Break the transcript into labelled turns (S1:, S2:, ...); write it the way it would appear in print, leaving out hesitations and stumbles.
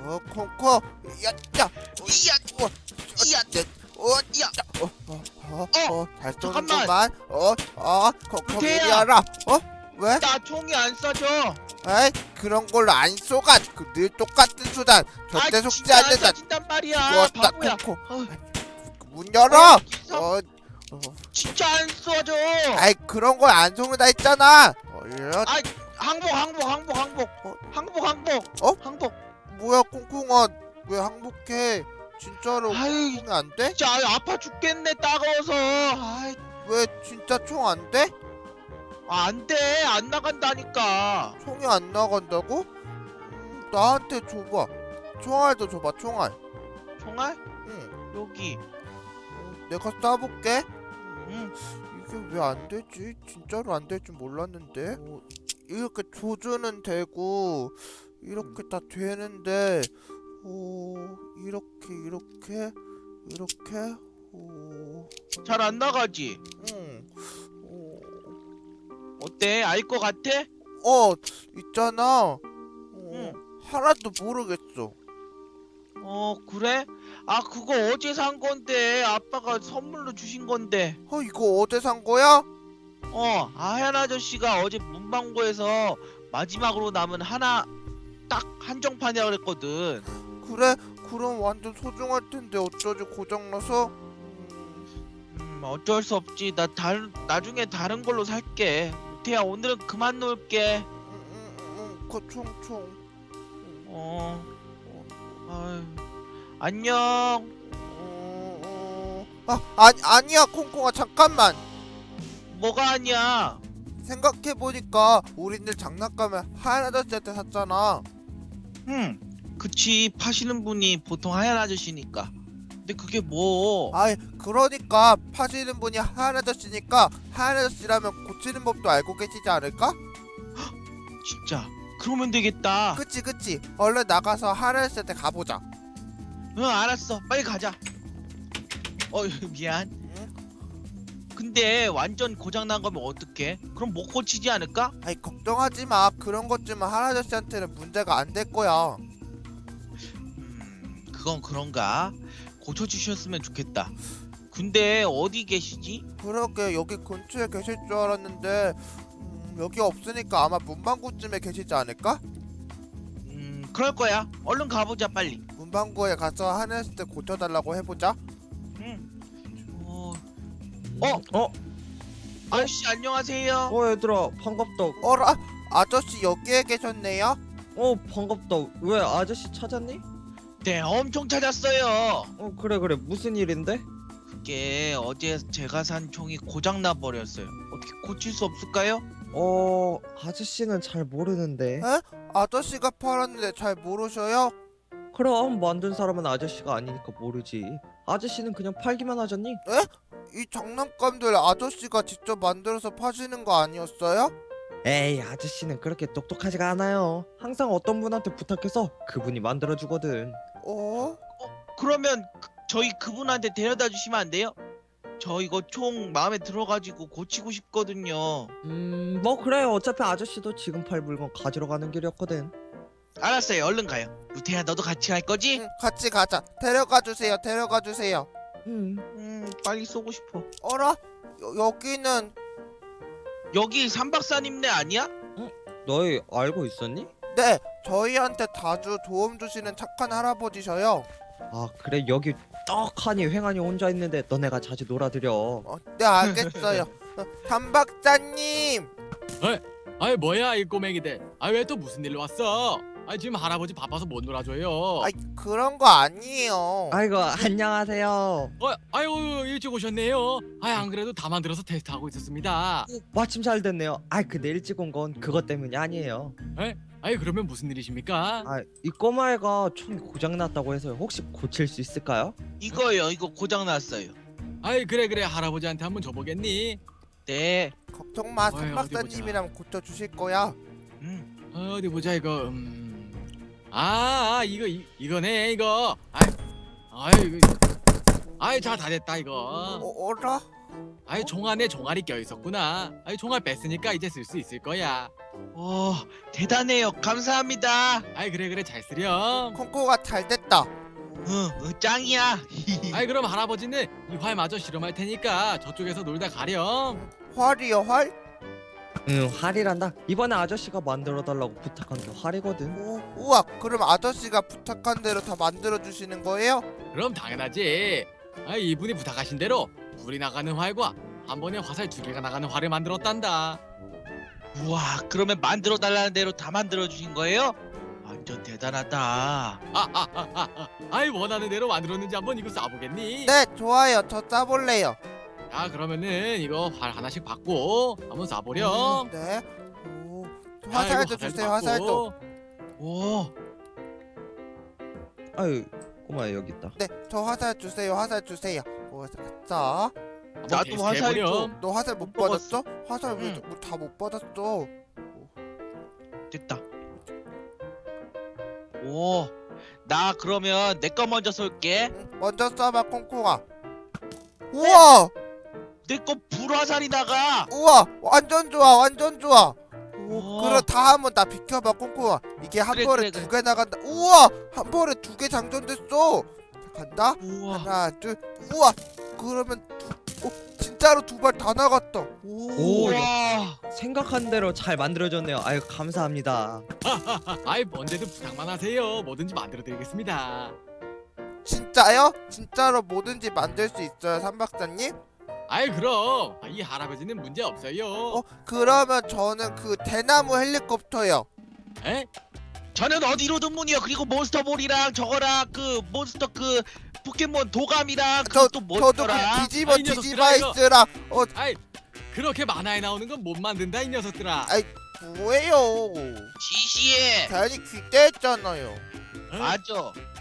S1: 콩콩, 야, 야,
S2: 이야, 이야,
S1: 야, 잘
S2: 잠깐만.
S1: 쏘는구만. 콩콩 이리
S2: 루테야.
S1: 와라. 왜?
S2: 나 총이 안 쏴져.
S1: 에이, 그런 걸로 안 쏘가. 늘 똑같은 수단. 절대 속지
S2: 진짜 안
S1: 않는다.
S2: 쏴진단 말이야.
S1: 죽었다,
S2: 바보야.
S1: 콩콩.
S2: 어,
S1: 문 열어.
S2: 기사-
S1: 어,
S2: 진짜 안 쏴져.
S1: 아이, 그런 걸 안 쏘는다 했잖아. 이런.
S2: 항복. 항복.
S1: 뭐야, 콩콩아. 왜 항복해? 진짜로
S2: 아이,
S1: 콩콩이 안 돼?
S2: 진짜 아파 죽겠네 따가워서.
S1: 왜 진짜 총 안 돼?
S2: 안 돼. 안 나간다니까.
S1: 총이 안 나간다고? 나한테 줘봐. 총알도 줘봐, 총알.
S2: 총알?
S1: 응.
S2: 여기.
S1: 내가 쏴볼게.
S2: 응.
S1: 이게 왜 안 되지? 진짜로 안 될 줄 몰랐는데. 이렇게 조준은 되고 이렇게 다 되는데, 이렇게.
S2: 잘 안 나가지.
S1: 응.
S2: 어때? 알 것 같아?
S1: 있잖아.
S2: 응.
S1: 하나도 모르겠어.
S2: 그래? 그거 어제 산 건데 아빠가 선물로 주신 건데.
S1: 이거 어제 산 거야?
S2: 하얀 아저씨가 어제 문방구에서 마지막으로 남은 하나 딱 한정판이라 그랬거든.
S1: 그래? 그럼 완전 소중할 텐데 어쩌지 고장나서?
S2: 어쩔 수 없지. 나중에 다른 걸로 살게. 태야, 오늘은 그만 놀게.
S1: 그 총총.
S2: 아유, 안녕.
S1: 아니야, 콩콩아, 잠깐만.
S2: 뭐가 아니야?
S1: 생각해보니까 우리들 장난감을 하얀 아저씨한테 샀잖아.
S2: 그치. 파시는 분이 보통 하얀 아저씨니까. 근데 그게 뭐?
S1: 그러니까 파시는 분이 하얀 아저씨니까 하얀 아저씨라면 고치는 법도 알고 계시지 않을까?
S2: 진짜. 그러면 되겠다.
S1: 그치. 얼른 나가서 하얀 아저씨한테 가보자.
S2: 응, 알았어. 빨리 가자. 미안. 근데 완전 고장난 거면 어떡해? 그럼 못 고치지 않을까?
S1: 걱정하지 마. 그런 것쯤은 하얀 아저씨한테는 문제가 안 될 거야.
S2: 그건 그런가? 고쳐주셨으면 좋겠다. 근데 어디 계시지?
S1: 그러게, 여기 근처에 계실 줄 알았는데 여기 없으니까 아마 문방구쯤에 계시지 않을까?
S2: 그럴 거야. 얼른 가보자, 빨리.
S1: 문방구에 가서 하얀 아저씨 고쳐달라고 해보자.
S2: 아저씨 안녕하세요.
S3: 얘들아 반갑다.
S1: 어라? 아저씨 여기에 계셨네요?
S3: 반갑다. 왜 아저씨 찾았니?
S2: 네, 엄청 찾았어요.
S3: 그래 무슨 일인데?
S2: 그게 어제 제가 산 총이 고장나 버렸어요. 어떻게 고칠 수 없을까요?
S3: 아저씨는 잘 모르는데.
S1: 아저씨가 팔았는데 잘 모르셔요?
S3: 그럼 만든 사람은 아저씨가 아니니까 모르지. 아저씨는 그냥 팔기만 하잖니?
S1: 이 장난감들 아저씨가 직접 만들어서 파시는 거 아니었어요?
S3: 에이, 아저씨는 그렇게 똑똑하지가 않아요. 항상 어떤 분한테 부탁해서 그분이 만들어주거든.
S2: 그러면 저희 그분한테 데려다 주시면 안 돼요? 저 이거 총 마음에 들어가지고 고치고 싶거든요.
S3: 뭐 그래. 어차피 아저씨도 지금 팔 물건 가지러 가는 길이었거든.
S2: 알았어요. 얼른 가요. 루테야, 너도 같이 갈 거지?
S1: 응, 같이 가자. 데려가 주세요.
S2: 빨리 쏘고 싶어.
S1: 어라? 여기는
S2: 여기 삼박사님네 아니야?
S3: 너희 알고 있었니?
S1: 네, 저희한테 자주 도움 주시는 착한 할아버지셔요.
S3: 그래. 여기 떡하니 횡하니 혼자 있는데 너네가 자주 놀아드려.
S1: 네, 알겠어요. 삼박사님.
S4: 아이 뭐야 이 꼬맹이들. 왜 또 무슨 일로 왔어? 지금 할아버지 바빠서 못 놀아줘요.
S1: 그런 거 아니에요.
S3: 아이고, 안녕하세요.
S4: 아유 일찍 오셨네요. 안 그래도 다 만들어서 테스트하고 있었습니다.
S3: 마침 잘 됐네요. 근데 일찍 온 건 그것 때문이 아니에요.
S4: 그러면 무슨 일이십니까?
S3: 이 꼬마애가 총이 고장났다고 해서요. 혹시 고칠 수 있을까요?
S2: 이거요. 이거 고장 났어요.
S4: 그래 할아버지한테 한번 줘보겠니?
S2: 네.
S1: 걱정 마,
S4: 어디
S1: 삼박사님이랑 고쳐 주실 거야.
S4: 어디 보자 이거. 이거네 이거. 이거. 자 다 됐다 이거.
S1: 어라?
S4: 아이 종 안에 종알이 껴 있었구나. 아이 종알 뺐으니까 이제 쓸 수 있을 거야.
S2: 대단해요. 감사합니다.
S4: 아이 그래 잘 쓰렴.
S1: 콩콩아 잘 됐다.
S2: 짱이야.
S4: 아이 그럼 할아버지는 이 활 마저 실험할 테니까 저쪽에서 놀다 가렴.
S1: 활이요 활?
S3: 응, 활이란다. 이번에 아저씨가 만들어 달라고 부탁한 게 활이거든.
S1: 우와 그럼 아저씨가 부탁한 대로 다 만들어 주시는 거예요?
S4: 그럼 당연하지. 아이 이분이 부탁하신 대로 불이 나가는 활과 한 번에 화살 2개가 나가는 활을 만들었단다.
S2: 우와, 그러면 만들어 달라는 대로 다 만들어 주신 거예요? 완전 대단하다.
S4: 아이 원하는 대로 만들었는지 한번 이거 쏴보겠니?
S1: 네 좋아요. 저 짜볼래요.
S4: 자 그러면은 이거 활 하나씩 받고 한번 쏴보렴.
S1: 네.
S4: 아이고,
S1: 화살도 주세요. 화살도.
S2: 오,
S3: 아유, 꼬마야 여기 있다.
S1: 네, 저 화살 주세요. 화살 주세요. 자,
S4: 한번
S2: 나도
S4: 테스트
S2: 화살
S4: 해보렴.
S2: 좀.
S1: 너 화살 못
S2: 못 먹었어.
S1: 받았어? 화살 왜 다 못 받았어?
S2: 됐다. 오, 나 그러면 내 거 먼저 쏠게.
S1: 먼저 쏴봐 콩콩아. 우와,
S2: 내 거 불화살이 나가.
S1: 우와, 완전 좋아, 완전 좋아.
S2: 우와.
S1: 그럼 다 한번 나 비켜봐 콩콩아. 이게 한
S2: 그래,
S1: 번에
S2: 그래,
S1: 두 개 나간다. 우와, 한 번에 2개 장전됐어. 자, 간다.
S2: 우와.
S1: 하나, 둘. 우와, 그러면 진짜로 2발 다 나갔다.
S3: 오,
S2: 우와.
S3: 생각한 대로 잘 만들어졌네요. 아유, 감사합니다.
S4: 아이 언제든 부탁만 하세요. 뭐든지 만들어드리겠습니다.
S1: 진짜요? 진짜로 뭐든지 만들 수 있어요, 삼박사님?
S4: 아이 그럼 이 할아버지는 문제 없어요.
S1: 그러면 저는 그 대나무 헬리콥터요.
S4: 에?
S2: 저는 어디로든 문이요. 그리고 몬스터볼이랑 저거랑 그 몬스터 그 포켓몬 도감이랑
S1: 저
S2: 그또
S1: 저도
S2: 뭐더라?
S1: 그 디지몬
S4: 아, 이 녀석들아,
S1: 디지바이스랑
S4: 아이 그렇게 만화에 나오는 건 못 만든다 이 녀석들아.
S1: 뭐예요?
S2: 지시해.
S1: 괜히 기대했잖아요.
S4: 어?
S2: 맞아.